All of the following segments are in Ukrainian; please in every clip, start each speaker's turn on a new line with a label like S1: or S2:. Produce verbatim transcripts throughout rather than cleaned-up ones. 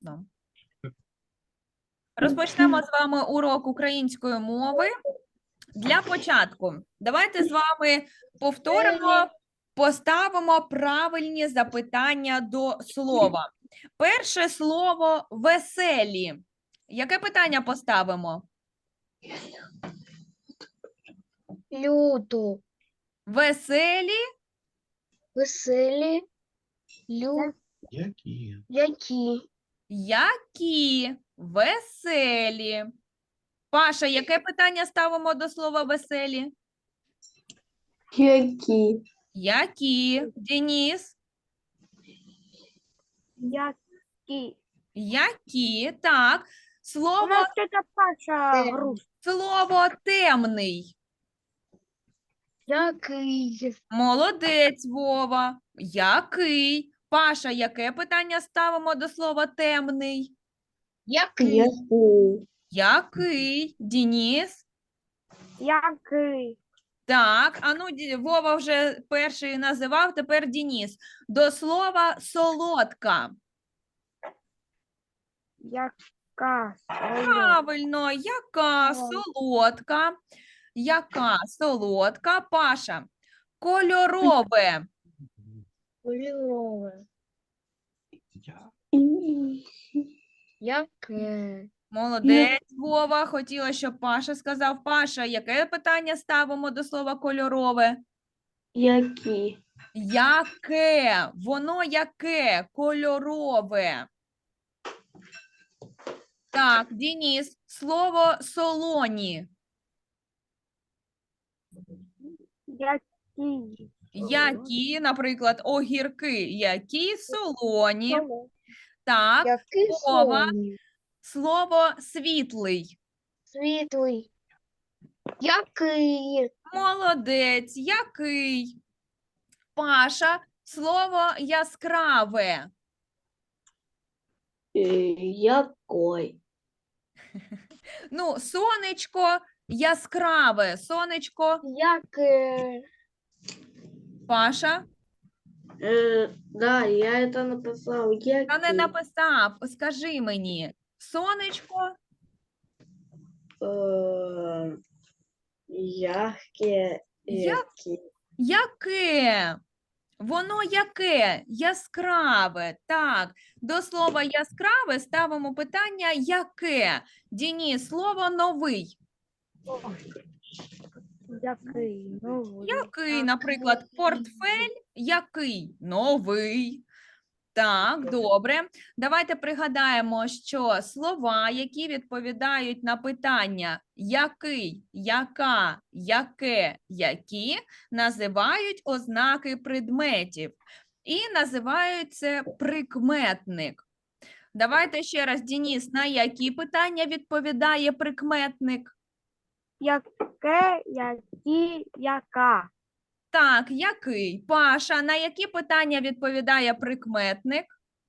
S1: Класно. Розпочнемо з вами урок української мови. Для початку давайте з вами повторимо, поставимо правильні запитання до слова. Перше слово «веселі». Яке питання поставимо?
S2: Люто.
S1: Веселі?
S2: Веселі. Лю.
S3: Які?
S2: Які.
S1: Які? Веселі. Паша, яке питання ставимо до слова «веселі»?
S2: Які.
S1: Які? Денис?
S2: Які.
S1: Які? Так.
S2: У
S1: Слово,
S2: нас тетя Паша грустна.
S1: слово «темний».
S2: Який.
S1: Молодець, Вова. Який? Паша, яке питання ставимо до слова «темний»?
S2: Який.
S1: Який? Денис?
S2: Який.
S1: Так, а ну, Ді- Вова вже перший називав, тепер Денис. До слова «солодка».
S2: Яка.
S1: Правильно, яка солодка? Яка солодка? Паша. Кольорове.
S2: Кольорове.
S3: Я.
S2: Яке.
S1: Молодець, Вова. Хотіла, щоб Паша сказав. Паша, яке питання ставимо до слова кольорове?
S2: Які.
S1: Яке? Воно яке? Кольорове. Так, Денис, слово солоні.
S2: Які.
S1: Які, наприклад, огірки. Які солоні. Так,
S2: Який
S1: Вова.
S2: сонний.
S1: Слово світлий.
S2: Світлий. Який.
S1: Молодець. Який? Паша, слово яскраве.
S2: Який.
S1: Ну, сонечко яскраве. Сонечко,
S2: Яке.
S1: Паша.
S4: Э, да, я это написал. Я
S1: Та не написав. Скажи мені. Сонечко,
S4: э, яркие,
S1: Я-
S4: яркие.
S1: яке? Воно яке? Яскраве. Так, до слова яскраве ставимо питання яке? Діні, слово новий.
S2: Який. Ну,
S1: Який, наприклад, портфель? Який? Новий. Так, добре. Давайте пригадаємо, що слова, які відповідають на питання який, яка, яке, які, називають ознаки предметів. І називають це прикметник. Давайте ще раз, Денис, на які питання відповідає прикметник?
S2: Яке, які, яка.
S1: Так, який? Паша, на які питання відповідає прикметник?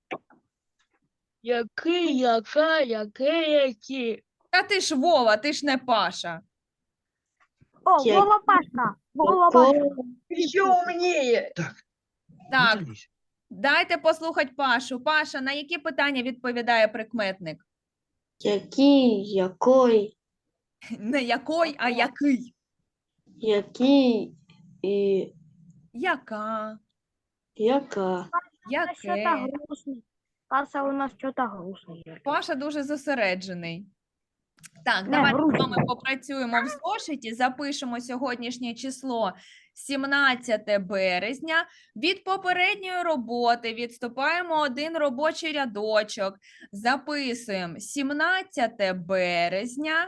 S2: Який, яка, яке, які.
S1: Та ти ж Вова, ти ж не Паша.
S2: О,
S4: Я-
S2: Вова Пашка. Вова Пашка.
S4: Еще умнее.
S1: Так,
S3: Дивись.
S1: дайте послухати Пашу. Паша, на які питання відповідає прикметник?
S4: Який, якой,
S1: Не якой, а який.
S4: який і
S1: Яка,
S4: яка.
S2: Что-то
S1: яке.
S2: грустный. Паша у нас что-то грустный.
S1: Паша дуже зосереджений. Так,
S2: Не,
S1: давайте з
S2: грустно.
S1: вами попрацюємо в зошиті, запишемо сьогоднішнє число сімнадцяте березня. Від попередньої роботи відступаємо один робочий рядочок. Записуємо сімнадцяте березня.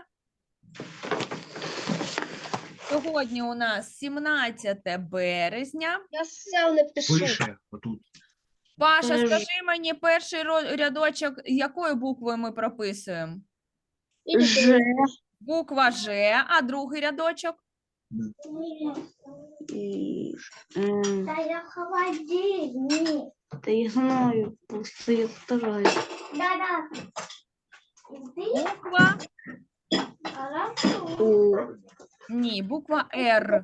S1: Сьогодні у нас сімнадцяте березня.
S2: Я сам напишу.
S3: Пише отут.
S1: Паша,
S4: Подожди.
S1: скажи мені перший ро- рядочок, якою буквою ми прописуємо?
S4: Ж
S1: Буква Ж, а другий рядочок?
S4: і м,
S2: Да я холодильник.
S4: та я знаю, просто я стараюсь.
S2: Да-да.
S1: Буква?
S4: У
S1: Ні, буква Р.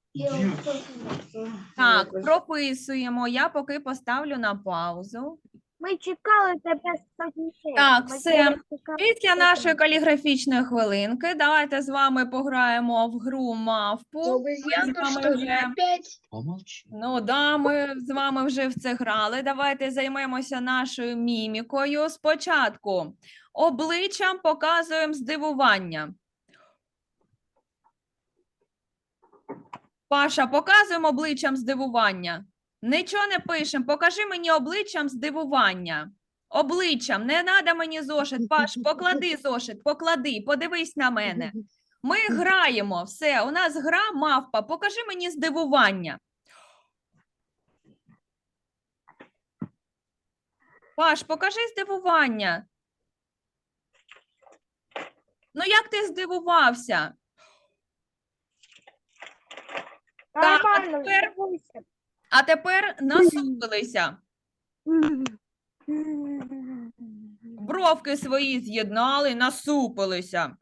S1: Так, прописуємо. Я поки поставлю на паузу.
S2: Ми чекали тебе сотні.
S1: Так, все. Після нашої каліграфічної хвилинки давайте з вами пограємо в гру мавпу. Ми з вами вже...
S4: опять?
S3: Помолчи.
S1: Ну да, ми з вами вже в це грали. Давайте займемося нашою мімікою. Спочатку обличчям показуємо здивування. Паша, показуємо обличчям здивування. Нічого не пишемо. Покажи мені обличчям здивування. Обличчям. Не треба мені зошит. Паш, поклади зошит, поклади, подивись на мене. Ми граємо. Все, у нас гра мавпа. Покажи мені здивування. Паш, покажи здивування. Ну, як ти здивувався? Так, а
S2: Нормально,
S1: тепер-
S2: здивуйся.
S1: А тепер насупилися. Бровки свої з'єднали, насупилися.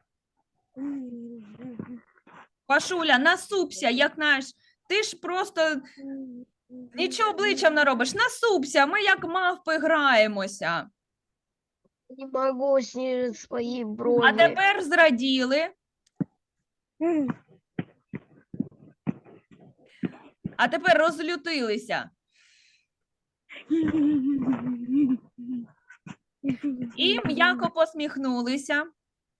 S1: Пашуля, насупся, як наш. Ти ж просто нічого обличчям не робиш. Насупся, ми як мавпи граємося.
S2: Не могу снизить свої брови.
S1: А тепер зраділи. А тепер розлютилися. І м'яко посміхнулися.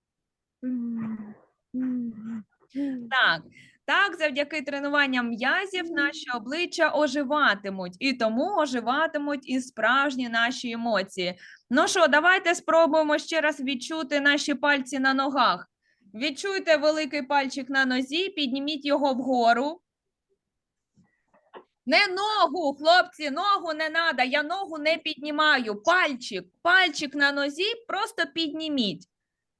S1: Так, так, завдяки тренуванням м'язів наші обличчя оживатимуть. І тому оживатимуть і справжні наші емоції. Ну що, давайте спробуємо ще раз відчути наші пальці на ногах. Відчуйте великий пальчик на нозі, підніміть його вгору. Не ногу, хлопці, ногу не треба, я ногу не піднімаю. Пальчик, пальчик на нозі просто підніміть.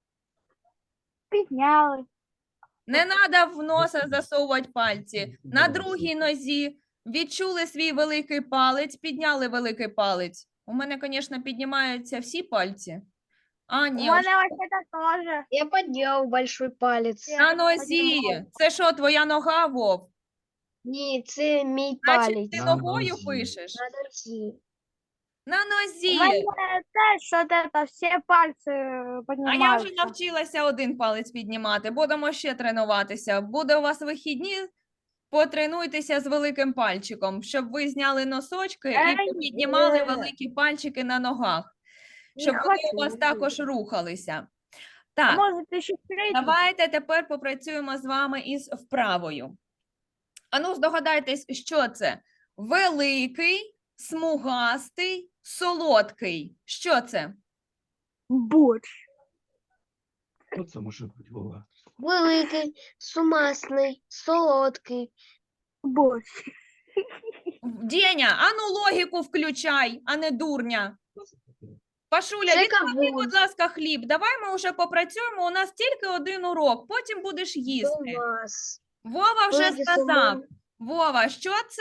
S2: Підняли.
S1: Не треба в носа засовувати пальці. На другій нозі відчули свій великий палець, підняли великий палець. У мене, звісно, піднімаються всі пальці. А,
S2: У
S1: ні, ось
S2: мене вообще-то теж.
S4: Я поднял большой палец.
S1: на нозі. Це що, твоя нога, Вов?
S4: Ні, це мій
S1: Значить,
S4: палець.
S1: ти
S3: На
S1: ногою
S3: нозі.
S1: пишеш?
S4: На нозі.
S1: На
S2: У
S1: нозі.
S2: мене теж що це, всі пальці
S1: А я
S2: піднімаються.
S1: вже навчилася один палець піднімати. Будемо ще тренуватися. Буде у вас вихідні, потренуйтеся з великим пальчиком, щоб ви зняли носочки і
S2: Ей,
S1: піднімали
S2: е.
S1: великі пальчики на ногах,
S2: Не
S1: щоб вони у вас
S2: хочу.
S1: також рухалися.
S2: А
S1: Так,
S2: може ти ще третій?
S1: давайте тепер попрацюємо з вами із вправою. Ану, здогадайтесь, що це? Великий, смугастий, солодкий. Що це?
S2: Борщ.
S3: Що це може бути, Вова?
S4: Великий, сумасний, солодкий.
S2: Борщ.
S1: Деня, ану логіку включай, а не дурня. Пашуля,
S4: Це
S1: відклади,
S4: кавун.
S1: будь ласка, хліб. Давай ми вже попрацюємо, у нас тільки один урок, потім будеш їсти.
S4: Сумас.
S1: Вова вже
S4: Великий,
S1: сказав.
S4: сумас.
S1: Вова, що це?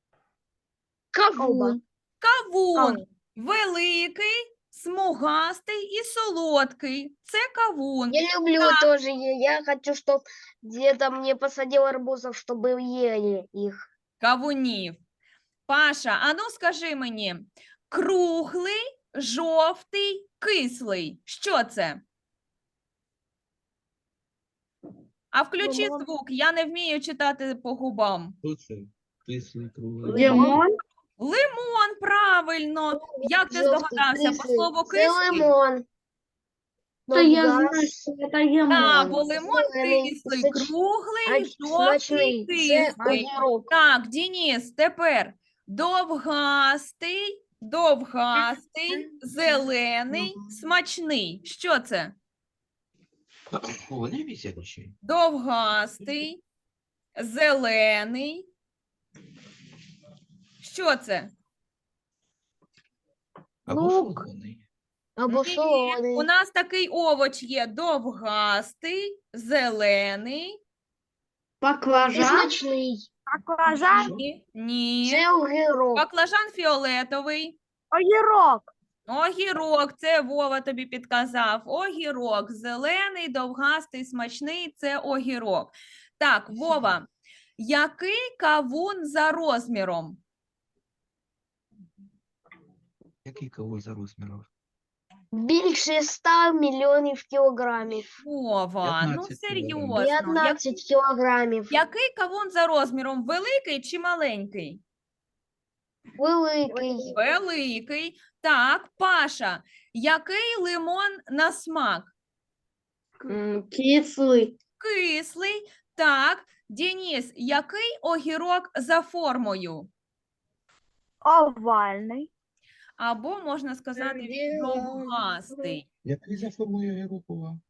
S4: Кавун.
S1: Кавун. Великий, смугастий і солодкий. Це кавун.
S4: Я люблю
S1: Да.
S4: тоже. Я, я хочу, чтобы где-то мне посадил арбузов, чтобы ели их.
S1: Кавунів. Паша, ану скажи мені, круглий, жовтий, кислий. Що це? А включи
S2: Лимон.
S1: звук, я не вмію читати по губам.
S3: Що це? Кислий, круглий.
S4: Лимон.
S1: Лимон, правильно. Як ти
S4: Жовтий,
S1: здогадався? По
S4: кислий.
S1: слову
S4: Це
S1: кислий?
S4: лимон.
S5: Та я
S4: Довгас.
S5: знаю, що це є
S1: Так,
S5: мон.
S1: бо лимон
S4: Зелений,
S1: кислий,
S4: соч-
S1: круглий,
S4: А
S1: жовтий,
S4: смачний. Це
S1: кислий.
S4: огірок.
S1: Так, Дініс, тепер довгастий, довгастий, зелений, смачний. Що це?
S3: О, вони вісять ще.
S1: Довгастий, зелений. Що це?
S3: Або
S2: Лук.
S3: солоний.
S4: Або
S1: Ні,
S4: солоний.
S1: у нас такий овоч є довгастий, зелений.
S4: І
S5: Баклажан.
S4: смачний.
S2: Баклажан.
S3: Що?
S1: Ні. Ні.
S4: Це огірок.
S1: Баклажан фіолетовий.
S2: Огірок.
S1: Огірок, це Вова тобі підказав. Огірок, зелений, довгастий, смачний, це огірок. Так, Вова, який кавун за розміром?
S3: Який кавун за розміром?
S4: Більше ста мільйонів кілограмів.
S1: Вова, ну
S3: п'ятнадцять кілограмів.
S1: серйозно. Як-
S4: п'ятнадцять кілограмів.
S1: Який кавун за розміром? Великий чи маленький?
S4: Великий.
S1: Великий. Так, Паша, який лимон на смак?
S5: М, Кислый.
S1: Кислий. Так, Денис, який огірок за формою?
S2: Овальний.
S1: Або можна сказати, він довгастий.
S3: Який за формою огірокова?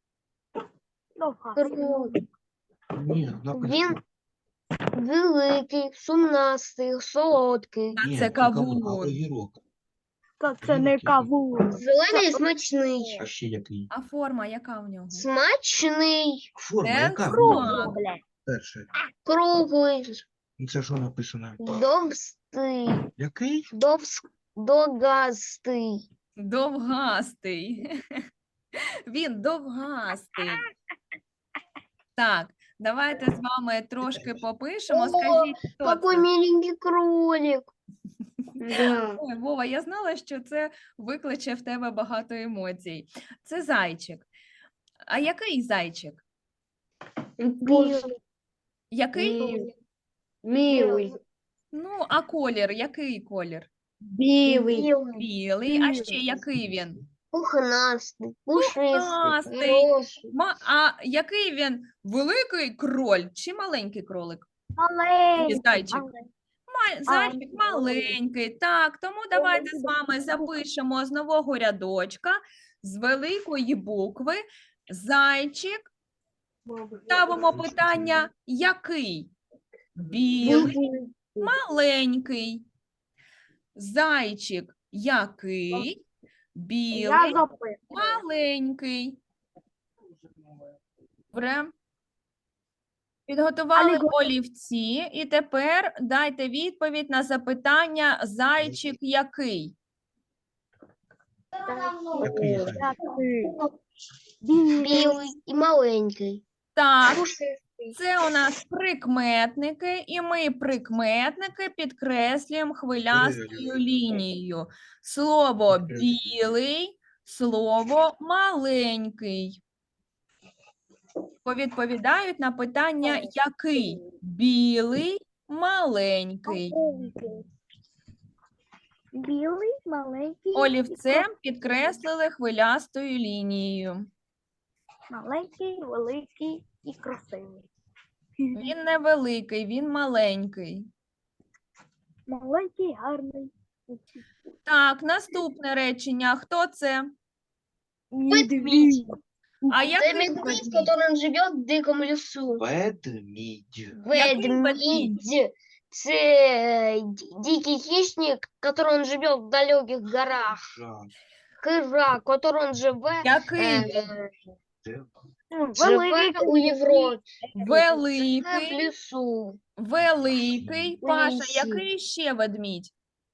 S4: Круг.
S3: Ні, написано.
S4: Він великий, сумнастий, солодкий.
S1: А
S3: Ні,
S1: це
S3: кавун, а
S1: кавун.
S3: огірок.
S2: Та
S3: це не кавун.
S4: Зелений і смачний.
S3: А ще який?
S1: А форма яка в нього?
S4: Смачний,
S3: Форма,
S1: Це
S3: яка?
S1: смак.
S3: Перше.
S4: круглий,
S3: Ну, це що написано?
S4: довстий,
S3: Який?
S4: довс... догастий.
S1: Довгастий. Він довгастий. Так, давайте з вами трошки попишемо.
S4: О,
S1: Скажіть, хто
S4: Какой
S1: це?
S4: миленький кролик.
S5: Да.
S1: Ой, Вова, я знала, що це викличе в тебе багато емоцій. Це зайчик. А який зайчик?
S5: Пусть-
S1: Який?
S5: Милый. Милый.
S1: Ну, а колір, який колір?
S5: Белый.
S4: Білий,
S1: Білий. А ще який він?
S4: пухнастий, пушистий,
S1: Пухнастий.
S4: хороший.
S1: Ма- а який він? Великий кроль чи маленький кролик? Ні,
S2: Маленький.
S1: зайчик. Ма- Зайчик маленький. Так, тому давайте з вами запишемо з нового рядочка, з великої букви. Зайчик. Ставимо питання, який? Білий, маленький. Зайчик який? Білий,
S2: Я запитую.
S1: маленький. Добре. Підготували
S2: Аліго-
S1: олівці, і тепер дайте відповідь на запитання «Зайчик який?».
S3: Який зайчик?
S4: Білий і маленький.
S1: Так,
S4: Пушистий.
S1: це у нас прикметники, і ми прикметники підкреслюємо хвилястою лінією. Слово білий, слово маленький. Повідповідають на питання який? Білий, маленький.
S2: Білий, маленький.
S1: Олівцем підкреслили хвилястою лінією.
S2: Маленький, великий і красивий.
S1: Він не великий, він маленький.
S2: Маленький, гарний.
S1: Так, наступне речення. Хто це?
S4: Ведмідь.
S1: А
S4: Це
S1: який
S4: медведь,
S1: ведмідь?
S4: який живе в дикому лісу.
S3: Ведмідь.
S1: Який
S4: Ведмідь. Це е, ді- дикий хищник, который живе в далеких горах.
S3: Жак.
S4: Хижак, который живе,
S1: Який?
S4: е,
S3: Це
S4: живе у Європі, живе в
S1: Великий,
S4: лісу.
S1: великий.
S4: У
S1: Паша,
S4: лісі.
S1: який ще ведмідь?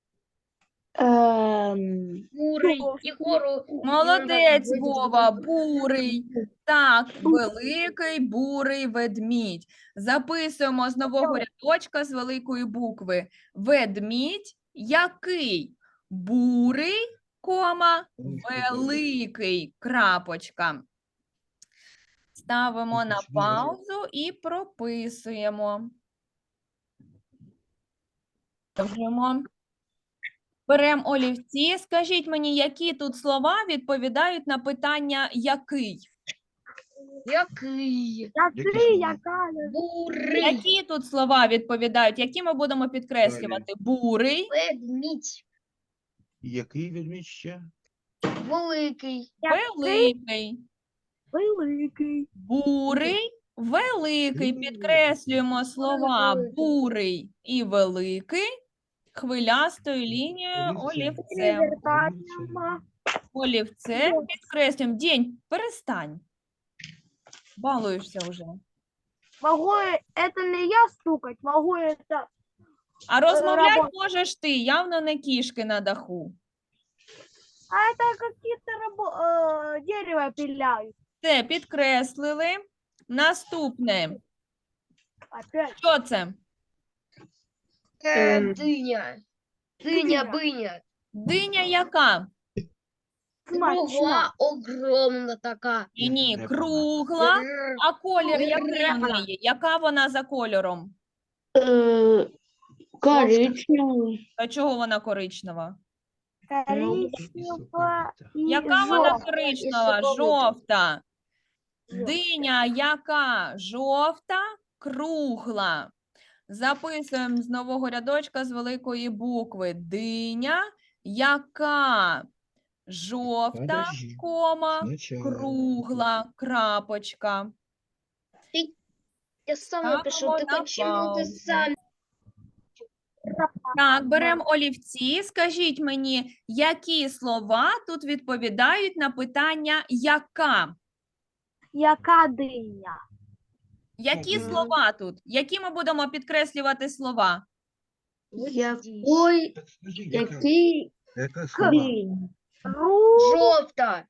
S5: Эм,
S4: Бурий, Ігору.
S1: Молодець, Вова, бурий. Так, великий бурий ведмідь. Записуємо з нового рядочка з великої букви. Ведмідь який? Бурий, кома, великий, крапочка. Ставимо на паузу і прописуємо. Продовжуємо. Беремо олівці. Скажіть мені, які тут слова відповідають на питання «який»?
S4: Який?
S2: Який, яка?
S4: Бурий.
S1: Які тут слова відповідають? Які ми будемо підкреслювати? Бурий,
S4: Ведмідь.
S3: який ведмідь ще?
S4: Великий.
S1: великий,
S2: Великий.
S1: бурий, великий. Підкреслюємо слова бурий і великий хвилястою лінією олівцем. Олівцем підкреслюємо. День, перестань. Балуєшся вже.
S2: Могу это не я стукать, могу это...
S1: А розмовляти
S2: Робота.
S1: можеш ти, явно не кішки на даху.
S2: А это какие-то рабо... э, дерево пиляют.
S1: Це підкреслили. Наступне.
S2: Опять.
S1: Що це?
S4: Е,
S5: Ем.
S4: Диня. Диня, биня.
S1: Диня яка?
S4: Кругла, огромна така.
S1: І ні,
S3: Не
S1: кругла.
S4: Р-
S1: А колір який в
S4: Кругла.
S1: неї? Яка вона за кольором?
S5: Э, коричневый.
S1: А чого вона коричнева?
S2: Коричнево и
S1: Яка вона
S2: желтое.
S1: коричнева?
S4: соковита.
S1: Жовта. Диня яка? Жовта, кругла. Записуємо з нового рядочка з великої букви. Диня яка? Жовта,
S3: Подожди.
S1: кома,
S3: Сначала.
S1: кругла, крапочка.
S4: Я сам
S1: Ставимо
S4: напишу,
S1: на
S4: так почему ты
S1: паузу.
S4: сам?
S1: Так, беремо олівці. Скажіть мені, які слова тут відповідають на питання «яка»?
S2: Яка диня?
S1: Які
S3: Мгм.
S1: слова тут? Які ми будемо підкреслювати слова?
S5: Якой,
S3: Так скажи, яка,
S5: який
S3: яка слова?
S5: день?
S2: Ру,
S4: Жовта.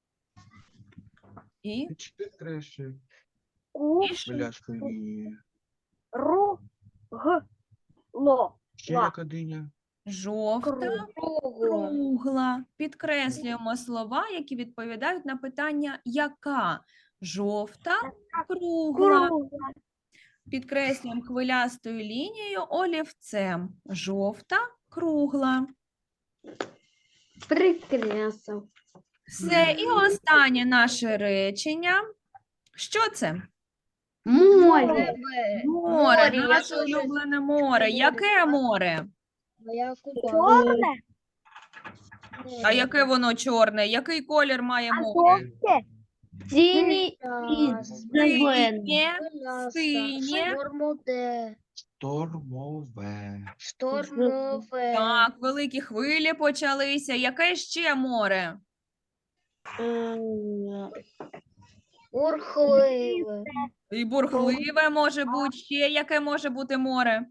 S1: І,
S3: Чотири краще.
S2: ку,
S1: і що?
S3: Пляшкою і...
S2: ру, г, ло.
S3: Ще
S2: Ла.
S3: яка диня?
S1: Жовта,
S4: Кругла.
S1: кругла. Підкреслюємо слова, які відповідають на питання «яка». Жовта, кругла.
S2: Кругла.
S1: Підкреслюємо хвилястою лінією олівцем. Жовта, кругла.
S5: Прекрасно.
S1: Все, і останнє наше речення. Що це?
S5: Море.
S4: Тебе.
S1: Море,
S4: Море, я
S1: наше
S4: теж-
S1: улюблене море. Яке море?
S4: Моя купа.
S2: Чорне,
S1: А яке воно чорне? Який колір має
S2: а
S1: море?
S2: жовте.
S5: Синий и зеленый.
S1: Синє, синє.
S4: Штормове.
S3: Штормове.
S4: Штормове.
S1: Так, великі хвилі почалися. Яке ще море?
S5: Э,
S4: Бурхливе.
S1: І бурхливе може бути. Ще яке може бути море?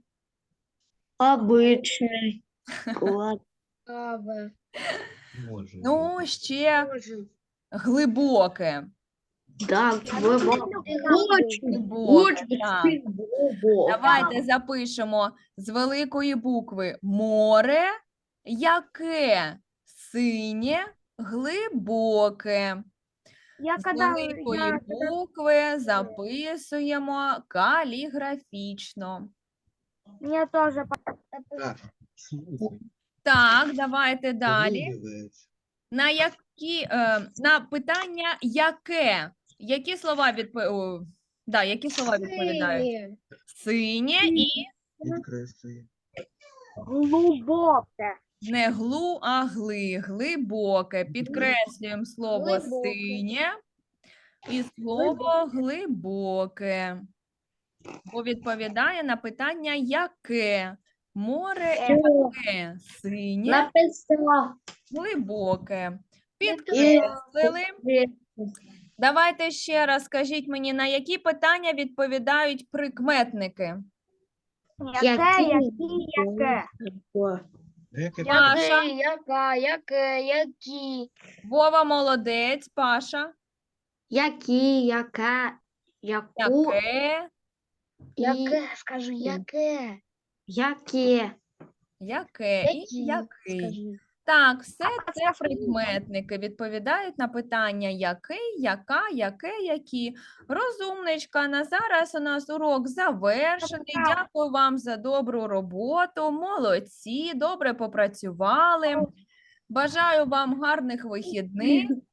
S5: Обычный. Клад.
S4: Аве.
S3: Може.
S1: Ну, ще
S4: Боже.
S1: глибоке.
S5: Да, глубоко. Очень,
S1: Глибоке,
S5: очень
S1: так.
S5: глубоко.
S1: Давайте запишемо з великої букви море, яке синє, глибоке.
S2: Я
S1: З
S2: когда,
S1: великої
S2: я,
S1: букви записуємо каліграфічно.
S2: мне тоже
S3: Так, слухай.
S1: Так, давайте далі.
S3: Подивись.
S1: На які е, на питання яке? Які слова відповідають? Да, які слова відповідають?
S4: Синє.
S1: Синє і
S3: Підкреслює.
S2: глубоке.
S1: не глу, а гли, глибоке. Підкреслюємо слово
S4: Глибоке.
S1: синє і слово глибоке. Бо відповідає на питання яке? Море яке? Синє,
S5: Написала.
S1: глибоке. Підкреслили. Давайте ще раз скажіть мені, на які питання відповідають прикметники?
S2: Яке, які, яке.
S3: Яке
S1: Паша.
S4: Який, яка, яке, які.
S1: Вова молодець, Паша.
S5: Які, яка, яку,
S1: Яке?
S5: і
S4: Яке, скажи, яке.
S5: яке.
S1: Яке? І
S4: Які,
S1: який?
S4: скажи.
S1: Так, все це прикметники відповідають на питання який, яка, яке, які. Розумничка, на зараз у нас урок завершений. Дякую вам за добру роботу. Молодці, добре попрацювали. Бажаю вам гарних вихідних.